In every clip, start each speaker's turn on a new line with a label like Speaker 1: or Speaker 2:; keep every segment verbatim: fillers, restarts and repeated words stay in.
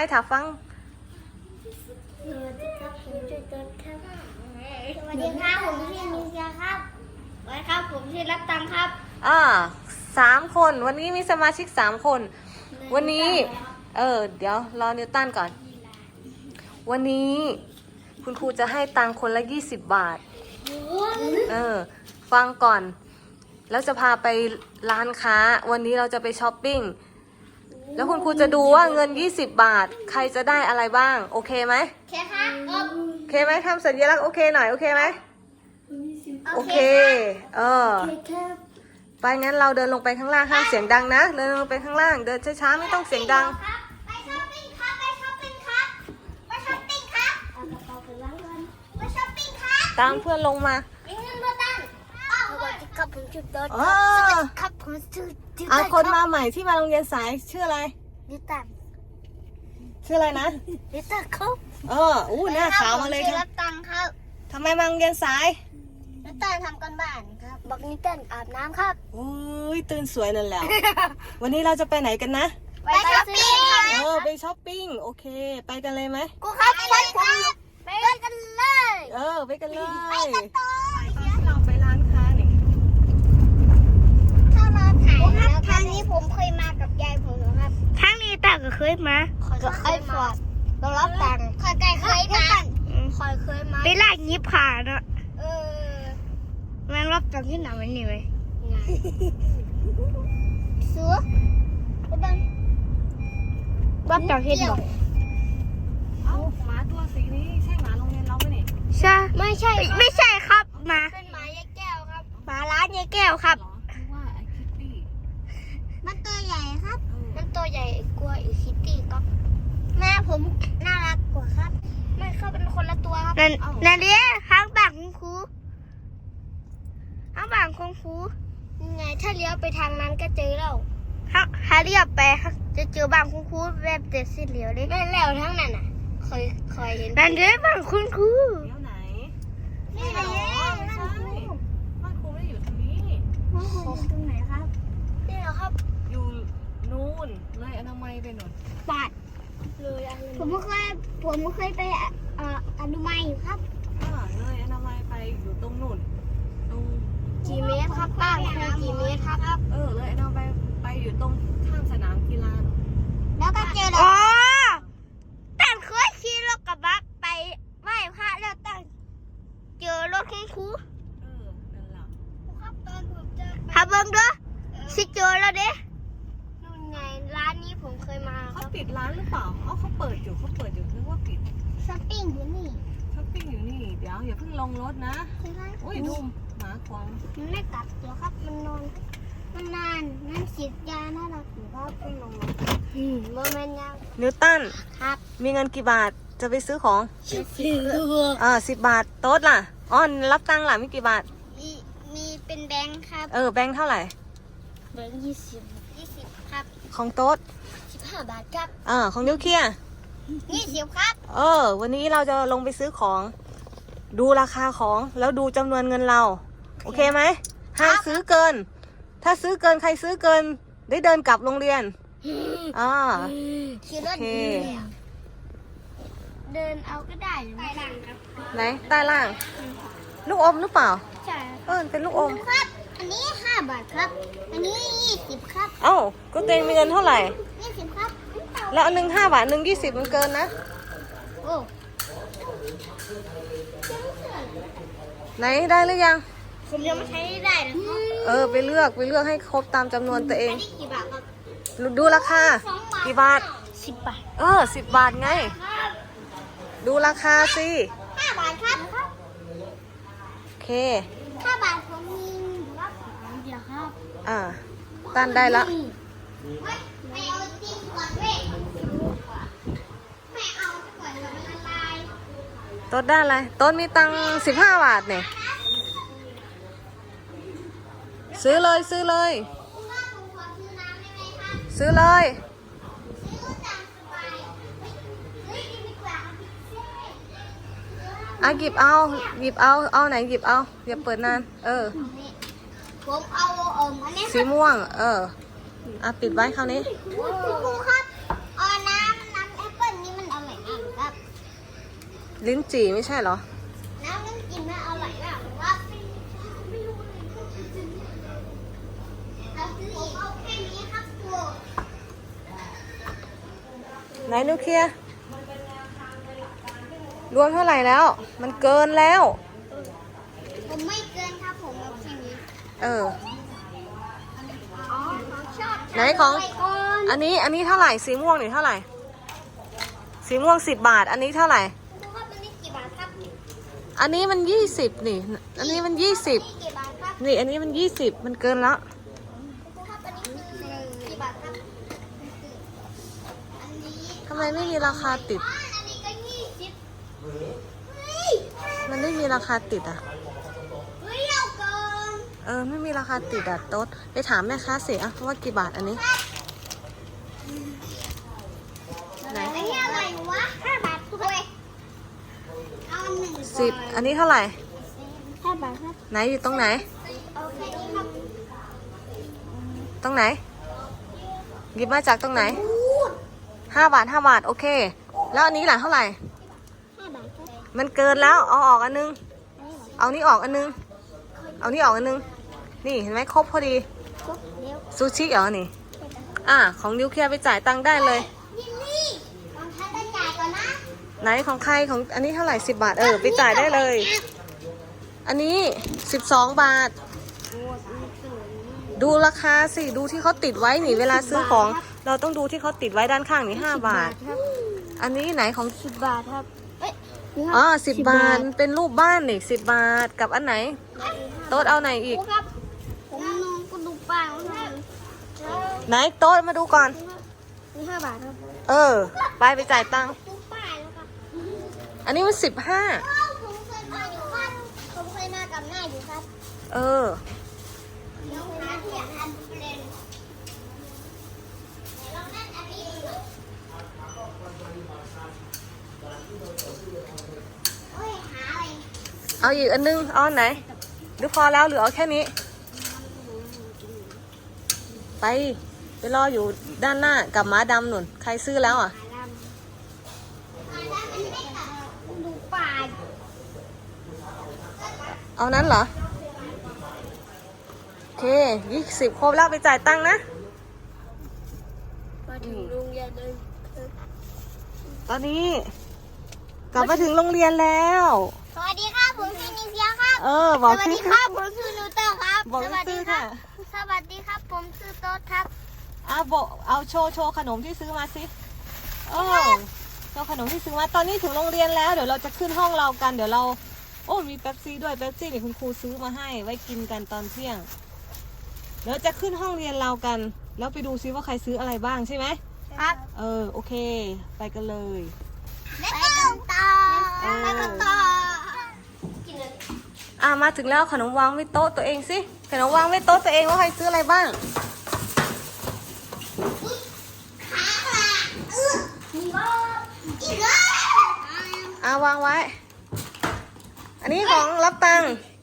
Speaker 1: ถามฟัง
Speaker 2: สวัสดีครับผมชื่อต้นครับสวัสดีครับผมชื่อนิชาครับสวัสดีครับผมชื่อรับตังครับ
Speaker 1: อ่าสามคนวันนี้มีสมาชิกสามคนวันนี้เออเดี๋ยวรอนิวตันก่อนวันนี้คุณครูจะให้ตังคนละยี่สิบบาทเออฟังก่อนแล้วจะพาไปร้านค้าวันนี้เราจะไปช้อปปิ้งแล้วคุณครูจะดูว่าเงินยี่สิบบาทใครจะได้อะไรบ้างโอเคไหม
Speaker 2: โอเคครับ
Speaker 1: โอเคไหมทำสัญลักษณ์โอเคหน่อยโอเคไหมโอเคเออไปงั้นเราเดินลงไปข้างล่างห้ามเสียงดังนะเดินลงไปข้างล่างเดินช้าๆไม่ต้องเสียงดัง
Speaker 2: ไปช้อปปิ้งครับไปช้อปปิ้งครับไปช้อปปิ้งครับเอากระเป๋าไปวางก่อนไปช้อปปิ้งครับ
Speaker 1: ตามเพื่อนลงมา
Speaker 2: มีเงินมาตั้งสวัสดีครับผมชื่อต้น
Speaker 1: อ๋อ
Speaker 2: ครับผมชื่อ
Speaker 1: เอาคนมาใหม่ที่มาโรงเรียนสายชื่ออะไร
Speaker 2: นิตัน
Speaker 1: ชื่ออะไรนะ
Speaker 2: นิตันครับ
Speaker 1: เอออู้หน้าขาวมาเลยครับ
Speaker 2: รับตังครับ
Speaker 1: ทำไมมาโรงเรียนสาย
Speaker 2: นิตันทำกันบ้านครับบอกนิตันอาบน้ำครับ
Speaker 1: โอ้ยตื่นสวยนั่นแหละ วันนี้เราจะไปไหนกันนะ
Speaker 2: ไปช้อปปิ้ง
Speaker 1: เออไปช้อปปิ้งโอเคไปกันเลยไหม
Speaker 2: กูครับไปครับไปกันเลย
Speaker 1: เออไปกันเลย
Speaker 2: ไปกันต่อ
Speaker 1: เราไปร้านค้านี่
Speaker 2: ถ้ามาถ่ายแล้วทางนี้ผมเคยมากับยายผมครับ
Speaker 3: ทางนี้ตาก็เคยมา
Speaker 2: ก็เคยมาเรารับตังค์คอยไก่เคยมาคอยเคยมา
Speaker 3: ไปลากยิบขาเนาะ
Speaker 2: เออ
Speaker 3: มันรับตังค์ที่ไหนมันนี่ไหม
Speaker 2: เสือไปดัน
Speaker 3: รับตังค์ที่ไหน
Speaker 1: เอ้าหมาตัวสีนี้ใช่หมาโรงเรียนเราไหมนี่
Speaker 3: ใช่
Speaker 2: ไม่ใช่
Speaker 3: ไม่ใช่ครับหมา
Speaker 2: เป็นหมายายแก้วครับ
Speaker 3: หมาร้านยายแก้วครับ
Speaker 1: ว่าไอ้คิตตี้
Speaker 2: มันตัวใหญ่ครับมันตัวใหญ่กว่าอีคิตตี้ก็แม่ผมน่ารักกว่าครับไม่เขาเป็นคนละตัวครับ
Speaker 3: นั่นนั่นดิข้างบ้านคุณครูข้างบ้านคุณครู
Speaker 2: ไงถ้าเลี้ยวไปทางนั้นก็เจอแล้ว
Speaker 3: ถ้าถ้าเรียบไปจะเจอบ้านคุณครูแบบเด็ดสิเหลียวดิ
Speaker 2: นั่นแล้วทั้งนั้นอ่ะเคยเคยเห็น
Speaker 3: นั่นดิบ้านคุณครู
Speaker 1: เลี้ยวไหน
Speaker 2: นี่ไง
Speaker 1: บ้านครูบ้านครูไม่ได้อยู่ตรงนี้
Speaker 2: บ้านครูอยู่ตรงไหนครับนี่เหรอครับ
Speaker 1: อยู่นู่นเลยอนามัยไปหน่อย
Speaker 2: บาทเลยผมเคยผมเคยไปเอ่ออนุมัยอยู่ครับ
Speaker 1: อ่าเลยอนามัยไปอยู่ตรงนู่นตรง
Speaker 2: กี่เมตรครับป้าคือกี่เมตรครับ
Speaker 1: เออเลยอนามัยไปอยู่ตรงข้างสนามกีฬา
Speaker 2: แล้วก็เจอแล้ว
Speaker 3: อ๋อตั้งเคยขี่รถกระบะไปไหว้พระแล้วตั้งเจอรถคุณครู
Speaker 1: เออนั่นแหละ
Speaker 2: ครับตอนผมเจอ
Speaker 3: ถ้าเบิ่งด้วยสิเจอแล้วเด้
Speaker 2: นู่นไงร้านนี้ผมเคยมา
Speaker 1: เขาปิดร้านหรือเปล่าอ๋อเขาเปิดอยู่เขาเปิดอยู่นึกว่าปิด
Speaker 2: ช้อปปิ้งอยู่นี่
Speaker 1: ช้อปปิ้งอยู่นี่เดี๋ยวอย่าเพิ่งลงรถนะโอ้ยดูหมาควาง
Speaker 2: มันไม่กัดเดี๋ยวครับมันนอนมันนานนั่นฉีดยาน่ารักอยู่ครับเป็นลงอืมโมเมนต์ยาว
Speaker 1: นิวตัน
Speaker 2: ครับ
Speaker 1: มีเงินกี่บาทจะไปซื้อของ
Speaker 2: สิบ
Speaker 1: อ่าสิบบาทโต๊ดล่ะอ๋อรับตังค์ล่ะมีกี่บาท
Speaker 2: มีมีเป็นแบงค์ครับ
Speaker 1: เออแบงค์เท่าไหร่
Speaker 2: แบงค์ยี่สิบยี่สิบครับ
Speaker 1: ของโต๊ด
Speaker 2: สิบห้าบาทครับ
Speaker 1: อ่าของนิวเคลียร์
Speaker 2: ยี่สิบครับ
Speaker 1: เออวันนี้เราจะลงไปซื้อของดูราคาของแล้วดูจำนวนเงินเราโอเคไหมห้ามซื้อเกินถ้าซื้อเกินใครซื้อเกินได้เดินกลับโรงเรียนอ่า
Speaker 2: ขี่รถดีเดินเอาก็ได้ใต้ล่างครับ
Speaker 1: ไหนใต้ล่างลูกอมหรือเปล่า
Speaker 2: ใช่
Speaker 1: เออเป็นลูกอม
Speaker 2: ครับอันนี้ห้าบาทครับอันนี้ยี่สิบครับ
Speaker 1: เอ้าก็เต็งมีเงินเท่าไหร่
Speaker 2: ยี่สิบครับ
Speaker 1: แล้วอันหนึ่งห้าบาทหนึ่งยี่สิบมันเกินนะ
Speaker 2: โอ้
Speaker 1: ไหนได้หรือยัง
Speaker 2: ผมยังไม่ใช้ได้เลย
Speaker 1: เออไปเลือกไปเลือกให้ครบตามจำนวนตัวเอง
Speaker 2: อันนี้กี่บาทครับ
Speaker 1: ดูราคากี่บาท
Speaker 2: สิบบาท
Speaker 1: เออสิบบาทไงดูราคาสิ
Speaker 2: ห้าบาทครับ
Speaker 1: โอเค
Speaker 2: ห้าบาทผมมีรับของเดียวครับ
Speaker 1: อ่าตั้นได้ละ
Speaker 2: ไม่เอาจิ้มก่อนเว้ยไม่เอาก่อนมันละลาย
Speaker 1: ต้นได้อะไรต้นมีตังสิบห้าบาทเนี่ยซื้อเลยซื้อเลยซื้อเลยอ่ะหยิบเอาหยิบเอาเอาไหนหยิบเอาอย่าเปิดนานเออ
Speaker 2: ผมเอาเอมอันนี้
Speaker 1: สีม่วงเอออ่ะปิดไว้คราวนี้
Speaker 2: คุณครูครับเอาน้ำน้ำแอปเปิ้ล
Speaker 1: ลิ้นจี่ไม่ใช่เหรอ
Speaker 2: น้ำมันกินมันอร่อยมากผมว่าไม่ไม่รู้เลยเราซื้ออีกเอาแค่นี้ครับตัว
Speaker 1: ไหนนิวเคลียร์รวมเท่าไหร่แล้ว มันเกินแล้ว
Speaker 2: ผมไม่เกินครับผมเอาแค่นี้
Speaker 1: เออ
Speaker 2: อ๋อเขาชอบ
Speaker 1: ไหนของ
Speaker 2: ไปก่อน
Speaker 1: อันนี้อันนี้เท่าไหร่สีม่วงนี่เท่าไหร่ สีม่วงสิบบาท อันนี้เท่าไหร่
Speaker 2: คุณครูครับอันนี้กี่บาทครับ
Speaker 1: อันนี้มันยี่สิบนี่ อันนี้มันยี่สิบ
Speaker 2: นี่กี่บาทครับ
Speaker 1: นี่ อันนี้มันยี่สิบมันเกินแล้ว
Speaker 2: คุณครูครับอันนี้คือกี่บาทครับอันนี้
Speaker 1: ทำไมไม่มีราคาติด
Speaker 2: อ๋ออันนี้ก็ยี่สิบเฮ้ย
Speaker 1: มันไม่มีราคาติดอ่ะ
Speaker 2: เฮ้ยเอาก่อน
Speaker 1: เออ ไม่มีราคาติดอ่ะโต๊ดไปถามแม่ค้าสิอ่ะว่ากี่บาทอันนี้ ไหน
Speaker 2: อันนี้อะไรวะห้าบาทด้วยเอาหนึ่ง
Speaker 1: สิบ อันนี้เท่าไหร่
Speaker 2: ห้าบาทครับ
Speaker 1: ไหนอยู่ตรงไหน
Speaker 2: โอเคนี่ครับ
Speaker 1: ตรงไหน หยิบมาจากตรงไหน
Speaker 2: พูด
Speaker 1: ห้าบาทห้าบาท โอเค แล้วอันนี้ล่ะเท่าไหร่
Speaker 2: ห้าบาทครับ
Speaker 1: มันเกินแล้ว เอาออกอันนึง เอานี่ออกอันนึง เอานี่ออกอันนึง นี่เห็นไหมครบพอดี
Speaker 2: ครบเร็ว
Speaker 1: ซูชิเหรอนี่ อ่ะ ของนิวเคลียร์ไปจ่ายตังค์ได้เลย
Speaker 2: นี่นี่ลองใช้ตะจ่ายก่อนนะ
Speaker 1: ไหนของใครของอันนี้เท่าไหร่สิบบาท เออ ไปจ่ายได้เลย อันนี้สิบสองบาท ดูราคาสิ ดูที่เขาติดไว้นี่ เวลาซื้อของ เราต้องดูที่เขาติดไว้ด้านข้างนี่ห้าบาท อันนี้ไหนของ
Speaker 2: สิบบาทครับเอ้ย
Speaker 1: อ๋อสิบบาท เป็นรูปบ้านนี่สิบบาท กับอันไหน โต๊ดเอาไหนอีก
Speaker 2: ครูครับ ผมนองก็ดูป้ายว่าไง
Speaker 1: ไหนโต๊ดมาดูก่อน
Speaker 2: นี่ห้าบาทครับ
Speaker 1: เออ ไปไปจ่ายตังค์
Speaker 2: ดูป้ายแล้วครับ
Speaker 1: อันนี้มันสิบห้า
Speaker 2: อ้าวผมเคยมาอยู่ครับผมเคยมากับแม่อยู่ครับ
Speaker 1: เออ
Speaker 2: เดี๋ยวหาที่อยากทำเป็นไหนลองเล่นอันนี้ดูหน่อยโอ้ยหาอะไร
Speaker 1: เอาอีกอันนึง เอาอันไหน หรือพอแล้วหรือเอาแค่นี้ ไป ไปรออยู่ด้านหน้ากับหมาดำหนุนใครซื้อแล้วอ่ะ
Speaker 2: หาลำหาลำมันไม่ตัดดูป้าย
Speaker 1: เอานั้นเหรอ โอเคยี่สิบครบแล้วไปจ่ายตังค์นะ
Speaker 2: มาถึงโรงเรียนเลย
Speaker 1: ตอนนี้ กลับมาถึงโรงเรียนแล้ว
Speaker 2: สวัสดีครับผมชื่อนิเซียครับ
Speaker 1: เออ บอก
Speaker 2: สวัส
Speaker 1: ชื่
Speaker 2: ดี
Speaker 1: อ
Speaker 2: ครับผมชื่อนิวเตอร์ครับ
Speaker 1: บอก
Speaker 2: สวัสดี
Speaker 1: ชื่อ
Speaker 2: ครั
Speaker 1: ค่ะ
Speaker 2: บสวัสดีครับผมชื่อโต๊ดครับ
Speaker 1: เอาโบเอาโชว์โชว์ขนมที่ซื้อมาสิเออโชว์ขนมที่ซื้อมา ตอนนี้ถึงโรงเรียนแล้ว เดี๋ยวเราจะขึ้นห้องเรากัน เดี๋ยวเรา โอ้ มีเป๊ปซี่ด้วย เป๊ปซี่นี่คุณครูซื้อมาให้ ไว้กินกันตอนเที่ยง เดี๋ยวจะขึ้นห้องเรียนเรากัน แล้วไปดูซิว่าใครซื้ออะไรบ้างใช่ไหม
Speaker 2: ครับ
Speaker 1: เออ โอเค ไปกันเลย
Speaker 2: ไปกันต่อไปกันต่อกินเลย
Speaker 1: อ่ะมาถึงแล้วขนมวางไว้โต๊ะตัวเองสิขนมวางไว้โต๊ะตัวเองว่าใครซื้ออะไรบ้าง
Speaker 2: ขาค่ะเออมีว่าอีกแล้ว
Speaker 1: อ่ะวางไว้ อันนี้ของรับตังค์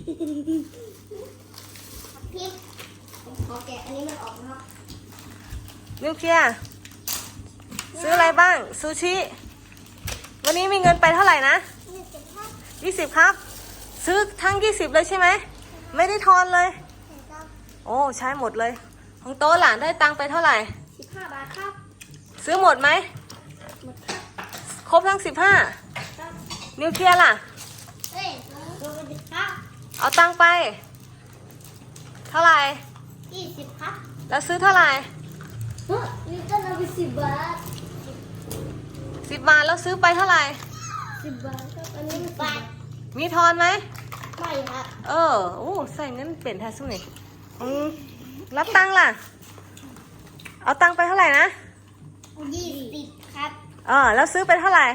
Speaker 2: พี่ผมขอแกะอันนี้มันออกนะครับ
Speaker 1: นิวเคลียร์ซื้ออะไรบ้างซูชิวันนี้มีเงินไปเท่าไหร่นะ
Speaker 2: นี่เจ็บครับ
Speaker 1: ยี่สิบครับ ซื้อทั้งยี่สิบเลยใช่ไหมไม่ได้ทอนเลย โอ้ใช้หมดเลย ของโต๊ะหลานได้ตังค์ไปเท่าไหร่
Speaker 2: สิบห้าบาทครับ
Speaker 1: ซื้อหมดไหม
Speaker 2: หมดครับ
Speaker 1: ครบทั้งสิบห้า
Speaker 2: ครับ
Speaker 1: นิวเคลียร์ล่ะ
Speaker 2: เฮ้ยสวัสดีครับ
Speaker 1: เอาตังค์ไป เท่าไหร่
Speaker 2: ยี่สิบครับ
Speaker 1: แล้วซื้อเท่าไหร่
Speaker 2: เฮ้ยนี่ก็เอาไปสิบบาท
Speaker 1: สิบบาทแล้วซื้อไปเท่าไหร่
Speaker 2: สิบบาทครับอันนี้สิบบาท
Speaker 1: มีทอนไหม
Speaker 2: ไม่ครับ
Speaker 1: เออโอ้ใส่เงินเปลี่ยนแทนสุนี่อืมรับตังค์ล่ะ เอาตังค์ไปเท่าไหร่นะ
Speaker 2: ยี่สิบครับ
Speaker 1: เออแล้วซื้อไปเท่าไหร่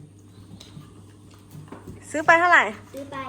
Speaker 1: ซื้อไปเท่าไหร่
Speaker 2: ซื้อไป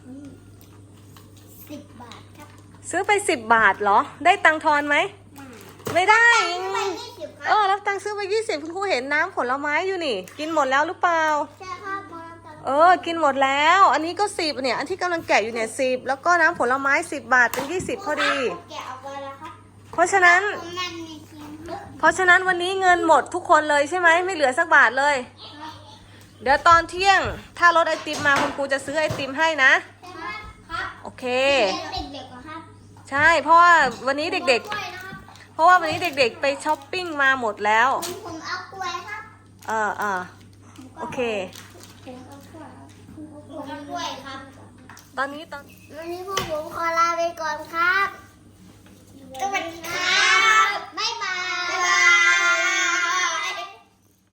Speaker 2: สิบบาทครับ
Speaker 1: ซื้อไปสิบบาทเหรอ ได้ตังค์ทอนไหม ไม่ได้
Speaker 2: ซื้อไปยี่สิบค
Speaker 1: เอ
Speaker 2: รับ
Speaker 1: อรับตังค์ซื้อไปยี่สิบคุณครูเห็นน้ำผลไม้อยู่นี่ กินหมดแล้วหรือเปล่า
Speaker 2: ใช่ครับมองกัน
Speaker 1: เออ กินหมดแล้ว อันนี้ก็สิบเนี่ย อันที่กำลังแกะอยู่เนี่ยสิบแล้วก็น้ำผลไม้สิบบาทเป็นยี่สิบพอดี
Speaker 2: แกะออกไปแล้วครับ
Speaker 1: เพราะฉะนั้น
Speaker 2: ผมมันมีชิ้นเยอะ
Speaker 1: เพราะฉะนั้นวันนี้เงินหมดทุกคนเลยใช่ไหมไม่เหลือสักบาทเลยเดี๋ยวตอนเที่ยงถ้ารถไอติมมาคุณครูจะซื้อไอติมให้นะ
Speaker 2: ครับ
Speaker 1: โอเค
Speaker 2: เด็กๆเหรอครับ
Speaker 1: ใช่ เพราะว่าวันนี้เด็ก
Speaker 2: กล้วยนะครับ
Speaker 1: ๆ เพราะว่าวันนี้เด็กๆ ไปช้อปปิ้งมาหมดแล้ว
Speaker 2: ผมผมเอากล้วยครับ
Speaker 1: เออเออโอเค
Speaker 2: ผมเอากล้วยครับผมเอากล้วยครับ
Speaker 1: ตอนนี้ตอน
Speaker 2: วันนี้พวกผมขอลาไปก่อนครับสวัสดีครับ